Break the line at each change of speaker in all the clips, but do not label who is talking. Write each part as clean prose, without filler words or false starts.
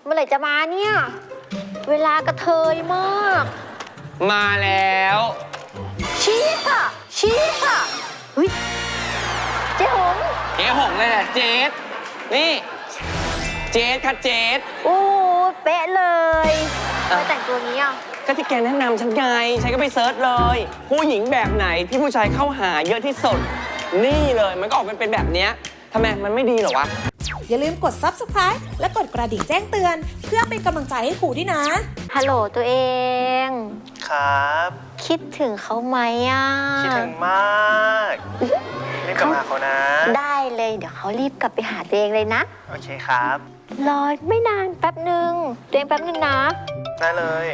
เมื่อไหร่จะมาเนี่ยเวลากระเทยมาก
มาแล้ว
ชี้ค่ะชี้ค่ะเฮ้ยเจ๊หง
เลยแหละเจ๊นี่เจ๊ค่ะเจ๊
โอ้เป๊ะเลยไม่แต่งตัวนี้อ่ะ
ก็ที่แกแนะนำฉันไงฉันก็ไปเซิร์ชเลยผู้หญิงแบบไหนที่ผู้ชายเข้าหาเยอะที่สุดนี่เลยมันก็ออกเป็นแบบเนี้ยทำไมมันไม่ดีเหรอวะ
อย่าลืมกด Subscribe และกดกระดิ่งแจ้งเตือนเพื่อเป็นกำลังใจให้ครูด้วยนะ
ฮัลโหลตัวเอง
ครับ
คิดถึงเขาไหมอ่ะ
คิดถึงมากรีบกลับมาเขานะ
ได้เลยเดี๋ยวเขารีบกลับไปหาตัวเองเลยนะ
โอเคครับ
รอไม่นานแป๊บหนึ่งตัวเองแป๊บหนึ่งนะ
ได้เลย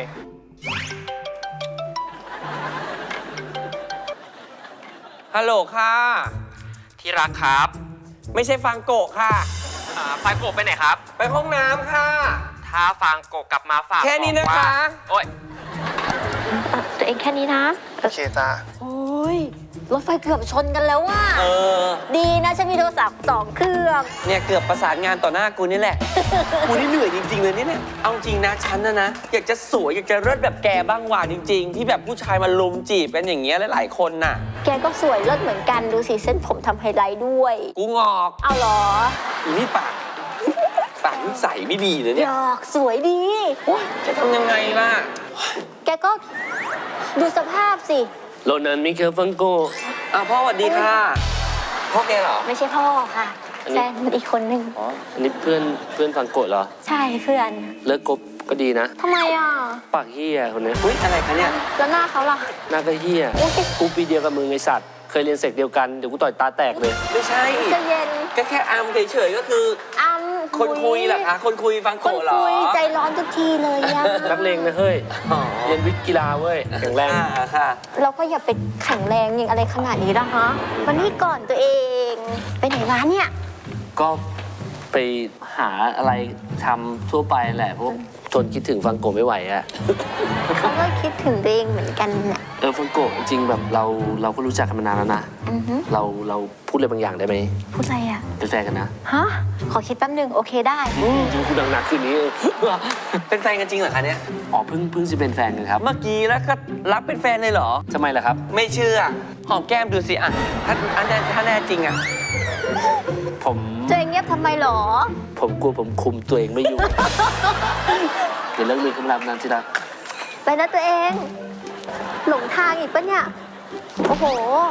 ฮัลโหลค่ะ
ที่รักครับ
ไม่ใช่ฟังโกะค่ะ
ฟังโกะไปไหนครับ
ไปห้องน้ำค่ะ
ถ้าฟังโกะกลับมาฝาก
แค่นี้นะคะ
โอ๊ย
ตัวเองแค่นี้นะ
โอเคจ้า
โอ้ยรถไฟเกือบชนกันแล้วว่ะดีนะฉันมีโทรศัพท์2 เครื่อง
เนี่ยเกือบประสานงานต่อหน้ากูนี่แหละ กูนี่เหนื่อยจริงๆเลยเนี่ยเอาจริงนะฉันนะอยากจะสวยอยากจะเลิศแบบแกบ้างว่ะจริงๆที่แบบผู้ชายมาลุมจีบกันอย่างเงี้ยหลายๆคนน่ะ
แกก็สวยเลิศเหมือนกันดูสิเส้นผมทำไฮไลท์ด้วย
กูงอก
เอาเหรอ
อีนี่ปากนิสัยไม่ดีเลยเนี่ย
หยอกสวยดี
จะทำยังไงล่ะ
แกก็ดูสภาพสิ
โรนันมิเคลฟังโกพ่อสวัสดีค่ะพ่อแกเหรอ
ไม่ใช่พ่อค่ะแฟนมันอีกคนนึง
อ๋ออันนี้เพื่อนฟังโกะเหรอ
ใช่เพื่อน
เลิกกบก็ดีนะ
ทำไมอ่ะ
ปากเฮียคนนี้
อุ๊ยอะไรคะเนี่ย
แล้วหน้าเขาล่ะ
หน้าก็เฮียกูปีเดียวกับมึงไอสัตว์เคยเรียนเสกเดียวกันเดี๋ยวกูต่อยตาแตกเลย
ไม่ใช่
จะเย็น
ก็แค่อัมเฉยๆก็คือ
อัม
คนคุยเหรอคะคนคุยฟังโกะเหรอคนคุย
ใจร้อนทุกทีเลยอะ
นักเลงนะเฮ้ยเรียนวิทย์กีฬาเว้ยแข็งแรง
ค่ะ
เราก็อย่าไปแข็งแรงอย่างอะไรขนาดนี้ละฮะวันนี้ก่อนตัวเองไปไหนวะเนี่ย
ก็ไปหาอะไรทำทั่วไปแหละเพราะทนคิดถึงฟังโกะไม่ไหวอะ
เขาก็คิดถึงตัวเองเหมือนกันน่ะ
ฟังโกะจริงแบบเราก็รู้จักกันมานานแล้วนะเราพูดอะไรบางอย่างได้ไหม
พูดอะไรอ่ะ
เป็นแฟนกันนะ
ฮะขอคิดแป๊บนึงโอเคได้
จริงคุณดังหนักคืนนี้
เป็นแฟนกันจริงเหรอคะเนี่ย
อ๋อเพิ่งจะเป็นแฟนกันครับ
เมื่อกี้แล้วก็รับเป็นแฟนเลยเหรอ
ทำไมล่ะครับ
ไม่เชื่อหอมแก้มดูสิอ่ะถ้าแน่จริงอ่ะ
ผม
ตัวเองเงียบทำไมหรอ
ผมกลัวผมคุมตัวเองไม่อยู่เดี๋ยวเลิกมีคำรามนั้นสิรัก
ไปนะตัวเองหลงทางอีกปะเนี่ยโอ้โห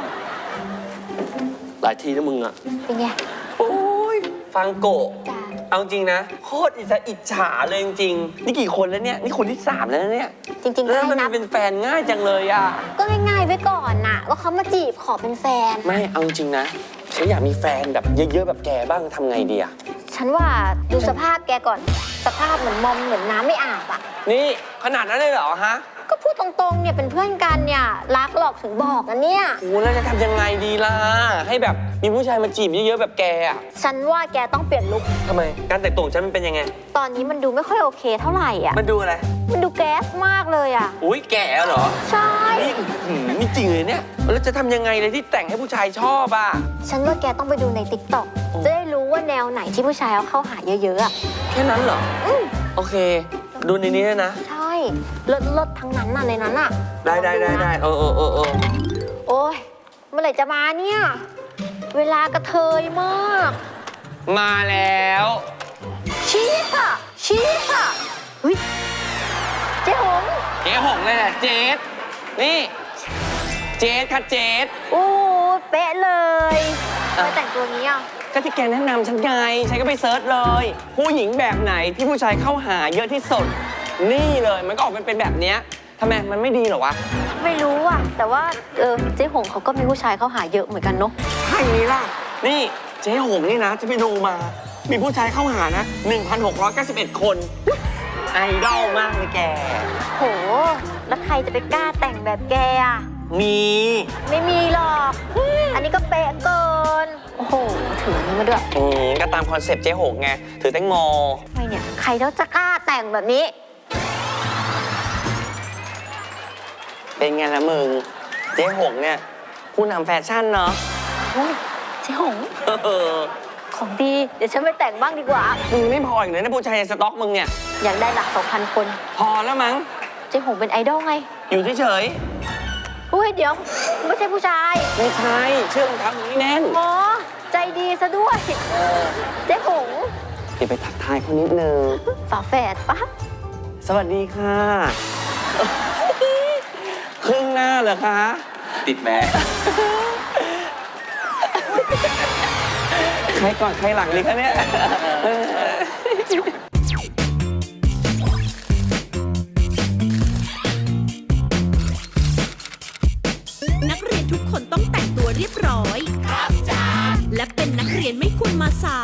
หลายทีนะมึงอะ
เป็นไง
โอ้ยฟังโกะเอาจริงนะโคตรอิจฉาเลยจริงๆนี่กี่คนแล้วเนี่ยนี่คนที่3แล้วเนี่ย
จริงๆ
แล้วมันเป็นแฟนง่ายจังเลยอ่ะ
ก็ง่ายๆไว้ก่อนน่ะว่าเขามาจีบขอเป็นแฟน
ไม่เอาจริงนะฉันอยากมีแฟนแบบเยอะๆแบบแกบ้างทำไงดีอ่ะ
ฉันว่าดูสภาพแกก่อนสภาพเหมือนมอมเหมือนน้ำไม่อาบอ่ะ
นี่ขนาดนั้นเลยเหรอฮะ
ก็พูดตรงๆเนี่ยเป็นเพื่อนกันเนี่ยรักหรอกถึงบอกนะเนี่ย
โอ้แล้วจะทำยังไงดีล่ะให้แบบมีผู้ชายมาจีบเยอะๆแบบแกอ่ะ
ฉันว่าแกต้องเปลี่ยนลุค
ทำไมการแต่งตัวฉันมันเป็นยังไง
ตอนนี้มันดูไม่ค่อยโอเคเท่าไหร่อ่ะ
มันดูอะไร
มันดูแก๊สมากเลยอ่ะ
อุ้ยแก่เหรอ
ใช่
นี่จริงเลยเนี่ยแล้วจะทำยังไงเลยที่แต่งให้ผู้ชายชอบอ่ะ
ฉันว่าแกต้องไปดูใน TikTok จะได้รู้ว่าแนวไหนที่ผู้ชายเอาเข้าหาเยอะๆอ่ะ
แค่นั้นเหรอโอเคดูในนี้นะ
ใช่เลิศทั้งนั้นน่ะในนั้นอ่ะ
ได้
โอ้ยเมื่อไหร่จะมาเนี่ยเวลากระเทยมาก
มาแล้ว
ชี้ค่ะเฮ้ยเจ๊หง
เลยแหละเจ๊นี่เจ๊ค่ะเจ๊
โอ้เป๊ะเลยไม่แต่งตัวนี้อ่ะ
ก็ที่แกแนะนำฉันไงฉันก็ไปเซิร์ชเลยผู้หญิงแบบไหนที่ผู้ชายเข้าหาเยอะที่สุดนี่เลยมันก็ออกเป็นแบบเนี้ยทำไมมันไม่ดีเหรอวะ
ไม่รู้อ่ะแต่ว่าเจ๊หงเขาก็มีผู้ชายเข้าหาเยอะเหมือนกันเนาะ
ใช่นี้ล่ะนี่เจ๊หงนี่นะจะไปดูมามีผู้ชายเข้าหานะ 1,691 คนไอดอลมากเลยแก
โหแล้วใครจะไปกล้าแต่งแบบแกอ่ะไม่มีหรอกอันนี้ก็เป๊ะเกินโอ้โหถืออันนี้มาด้วย
ก็ตามคอนเซ็ปต์เจ๊หงไงถือแตงโม
ทำไมเนี่ยใครแล้วจะกล้าแต่งแบบนี้
เป็นไงล่ะมึงเจ๊หงเนี่ยผู้นำแฟชั่นเนาะ
เจ๊หง
ค
ของดี เดี๋ยวฉันไปแต่งบ้างดีกว่า
มึงไม่พออีกเลยนะผู้ชายในสต็อกมึงเนี่ย
อยากได้หลัก 2,000 คน
พอแล้วมั้ง
เจ๊หงเป็นไอดอลไง
อยู่เฉย
อุ้ยเดี๋ยว ไม่ใช่ผู้ชาย
ๆไม่ใช่เชื่อรองเท้ามึงให้แน่น
อ๋อ ใจดีซะด้วย เจ๊หง
เดี๋ยวไปทักทายเขานิดนึง
ฝาแฝดปะ
สวัสดีค่ะครึ่งหน้าเหรอคะ
ติดแม่
ใครก่อนใครหลังดีคะเนี่ย
นักเรียนทุกคนต้องแต่งตัวเรียบร้อย ครับจ้าและเป็นนักเรียนไม่ควรมาสาย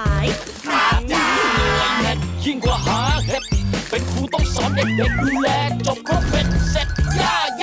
ยิ่งกว่าหาเห็ดเป็นครูต้องสอนเด็กๆดูแลจบครบเป็นเสร็จ